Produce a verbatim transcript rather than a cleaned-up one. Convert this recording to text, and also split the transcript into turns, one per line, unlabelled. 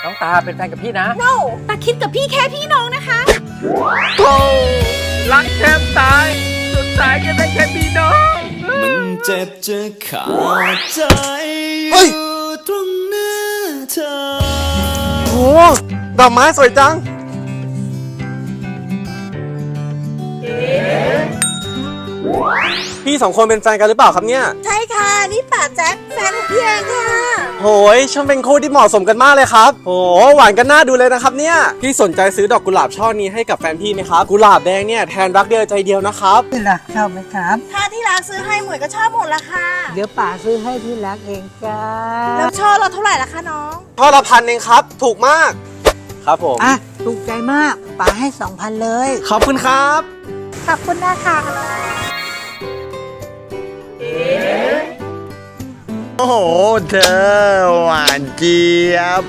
น้องตาเป็นแฟนกับพี่นะ
no ตาคิดกับพี่แค่พี่น้องนะคะ
โธ่รักแทบตายสุดท้ายก็ได้แค่พี่น้อง
มันเจ็บจะขาดใจอยู่ตรงหน้าเธอ
โอ้ดอกไม้สวยจังพี่สองคนเป็นแฟนกันหรือเปล่าครับเนี่ย
ใช่ค่ะ นี่ป่าแจ็คแฟนของพี่เองค่ะ
โหยช่างเป็นคู่ที่เหมาะสมกันมากเลยครับโหหวานกันน่าดูเลยนะครับเนี่ยพี่สนใจซื้อดอกกุหลาบช่อนี้ให้กับแฟนพี่ไหมครับกุหลาบแดงเนี่ยแทนรักเดียวใจเดียวนะครับ
ที่รักชอบไหมครับ
ถ้าที่รักซื้อให้หมวยก็ชอบหมดละค่ะ
เดี๋ยวป๋าซื้อให้ที่รักเองจ้า
แล้วช่อเราเท่าไหร่ละคะน้อง
ช่อละพันเองครับถูกมากครับผม
อ่ะ ถูกใจมากป๋าให้สองพันเลย
ขอบคุณครับ
ขอบคุณนะคะ
โอ้โห เธอหวานเจี๊ยบ